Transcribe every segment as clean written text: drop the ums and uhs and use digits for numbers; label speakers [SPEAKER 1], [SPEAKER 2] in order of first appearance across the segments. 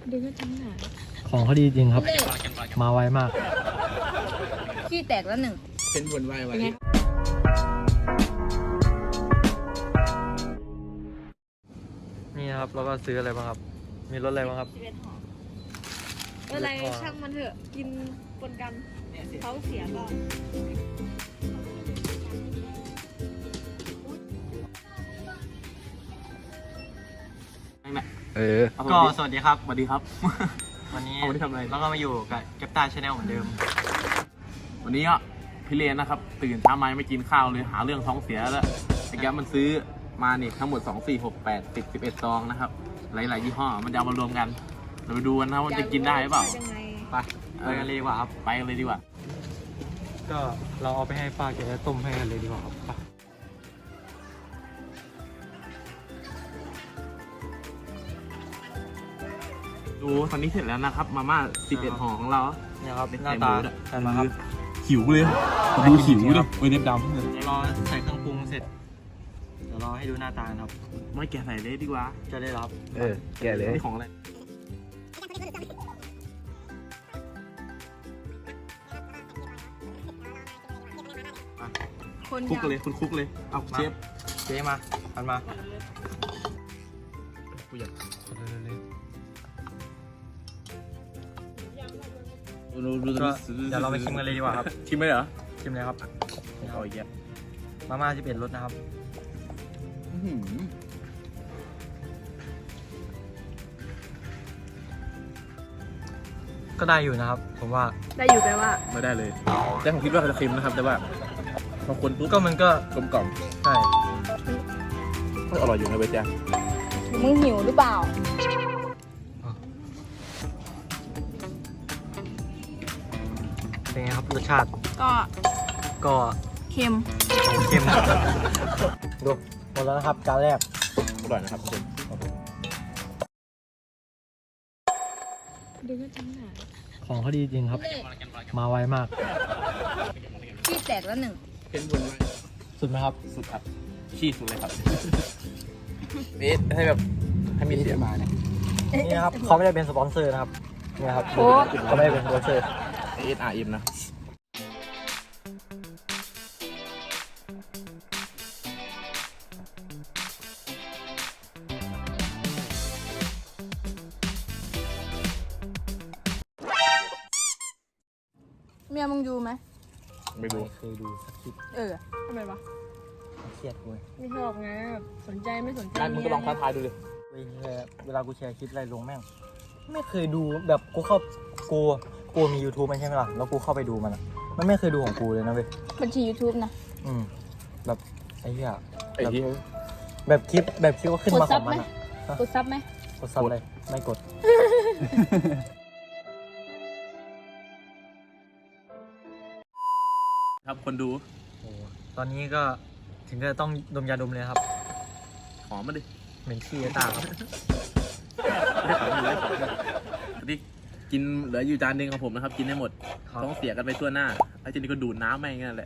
[SPEAKER 1] ดึงก็จังหนา
[SPEAKER 2] ของเขาดีจริงครับ มาไวมาก
[SPEAKER 1] ขี้แตกแล้วหนึ่ง
[SPEAKER 3] เป็นวนวายไว้
[SPEAKER 2] นี่นะครับเราก็ซื้ออะไรบ้างครับ มีรสอะไรบ้างครับ
[SPEAKER 1] 11 ห่ออะไรช่างมันเถอะกินปนกันเขาเสียก่อน
[SPEAKER 2] ก็สวัสดีครับ
[SPEAKER 3] สวัสดีครับ
[SPEAKER 2] วันนี้
[SPEAKER 3] วันนี้ทำอะไร
[SPEAKER 2] เราก็มาอยู่กับเก็บตาชาแนลเหมือนเดิม
[SPEAKER 3] วันนี้ก็พี่เลนนะครับ ตื่นเช้ามาไม่กินข้าวเลยหาเรื่องท้องเสียแล้วแต่แกมันซื้อมานี่ทั้งหมด2 4 6 8 10 11ซองนะครับหลายๆยี่ห้อมันจะเอามารวมกันเราไปดูกันนะว่าจะกินได้หรือเปล่า
[SPEAKER 2] ไปไปกันเลยดีกว่าครับ
[SPEAKER 3] ไปกันเลยดีกว่า
[SPEAKER 2] ก็เราเอาไปให้ป้าแกต้มให้กันเลยดีกว่าครับไป
[SPEAKER 3] ดูตอนนี้เสร็จแล้วนะครับมาม่า11ห่อของเรา
[SPEAKER 2] เนี่ยครับ
[SPEAKER 3] เป็น
[SPEAKER 2] หน้า
[SPEAKER 3] ไข่ห
[SPEAKER 2] ตา
[SPEAKER 3] มูด้วย
[SPEAKER 2] ใช่ไหมครับ
[SPEAKER 3] หิวเลยดูหิวเลยเว้ยเล็บดำ
[SPEAKER 2] เดี๋ยวรอใส่เครื่องปรุงเสร็จ เดี๋ยวรอให้ดูหน้าตาครับ
[SPEAKER 3] ไม่แกะใส่เลยดีกว่า
[SPEAKER 2] จะได้รับ
[SPEAKER 3] แกะเลยนี่ของอะไร
[SPEAKER 1] คน
[SPEAKER 3] คุก
[SPEAKER 1] ยาว
[SPEAKER 3] เลยคุณคุกเลยเอาเชฟ
[SPEAKER 2] เจ๊มาอันมา
[SPEAKER 3] กูอยาก
[SPEAKER 2] ก็เดี๋ยวเราไปชิมกันเลยดีกว่าครับ
[SPEAKER 3] ชิมไหมเหรอ
[SPEAKER 2] ชิมเลยครับ
[SPEAKER 3] เอาอีกแล้ว
[SPEAKER 2] มาม่า11รสนะครับ ก็ได้อยู่นะครับ ผมว่า
[SPEAKER 1] ได้อยู่แปลว่า
[SPEAKER 3] ไม่ได้เลยแต่ผมคิดว่าจะเค็มนะครับ แต่ว่าบางคนปุ๊บ
[SPEAKER 2] ก็มันก็
[SPEAKER 3] กลมกล่อม
[SPEAKER 2] ใช่
[SPEAKER 3] ก็อร่อยอยู่นะเบสจ้า
[SPEAKER 1] มึงหิวหรือเปล่า
[SPEAKER 2] เป็นไงครับรสชาติ
[SPEAKER 1] ก็
[SPEAKER 2] ก็
[SPEAKER 1] เค็ม
[SPEAKER 2] เค็ม ดูหมดแล้วนะครับจานแรก
[SPEAKER 3] อร่อยนะครับทุกคน
[SPEAKER 1] ดึงก็จังหนา
[SPEAKER 2] ของเขาดีจริงครับ มาไวมาก
[SPEAKER 1] ขี้แตกแล้วหนึ่ง
[SPEAKER 3] เป็นวนไว้
[SPEAKER 2] สุดไหมครับ
[SPEAKER 3] สุดครับขี้สุดเลยครับเบสให้แบบให้มีเสียงมาเนี่ย
[SPEAKER 2] นี่นะครับเขาไม่ได้เป็นสปอนเซอร์นะครับนี่นะครับเขาไม่ได้เป็นสปอนเซอร์
[SPEAKER 3] ASRM นะ
[SPEAKER 1] เมียมึงดูไหม
[SPEAKER 3] ไม่ดู
[SPEAKER 2] เคยดูสักคลิป
[SPEAKER 1] ทำไมวะ
[SPEAKER 2] เครียดกู
[SPEAKER 1] ไม่ชอบไงสนใจไม่สนใจ
[SPEAKER 3] นั่นมึงก็ลองท้าทายดูดิ
[SPEAKER 2] เวลากูแชร์คลิปอะไรลงแม่งไม่เคยดูแบบกูมี YouTube มันใช่ไหมล่ะแล้วกูเข้าไปดูมันอะมันไม่เคยดูของกูเลยนะเว้ย
[SPEAKER 1] บัญชี YouTube นะ
[SPEAKER 2] แบบไอ้เหี้ย
[SPEAKER 3] ไอ้ที่
[SPEAKER 2] แบบคลิปก็ขึ้นมาของมันอะ
[SPEAKER 1] กดซับไหม
[SPEAKER 2] กดซับเลยไม่กด
[SPEAKER 3] ครับคนดู
[SPEAKER 2] โอ้ตอนนี้ก็ถึงจะต้องดมยาดมเลยครับ
[SPEAKER 3] หอมมาดิ
[SPEAKER 2] เหม็นขี้ไอ้ตาครับ
[SPEAKER 3] ได้ของอยู่ได้ของอยู่ที่กินเหลืออยู่จานหนึงของผมนะครับ กินได้หมด
[SPEAKER 2] ครับ
[SPEAKER 3] ต้องเสียกันไปทั่วหน้าไอ้เจนี่ก็ดูดน้ำแม่งนั่นแหละ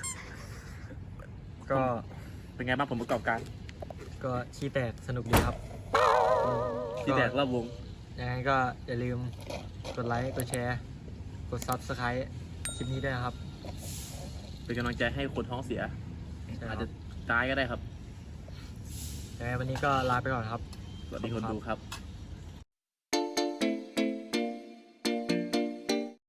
[SPEAKER 2] ก็
[SPEAKER 3] เป็นไงบ้างผลประกอบการ
[SPEAKER 2] ก็ขี้แตกสนุกดีครับ
[SPEAKER 3] ที่แตกรอบวง
[SPEAKER 2] ยังไงก็อย่าลืมกดไลค์กดแชร์กด Subscribe คลิปนี้ด้วยนะครับ
[SPEAKER 3] เป็นกำลังใจให้คนท้องเสีย
[SPEAKER 2] ใช่ค
[SPEAKER 3] อา
[SPEAKER 2] รั
[SPEAKER 3] จ
[SPEAKER 2] บ
[SPEAKER 3] จะตายก็ได้ครับ
[SPEAKER 2] ยังไงวันนี้ก็ลาไปก่อนครับ
[SPEAKER 3] สวัสดีคนดูครับ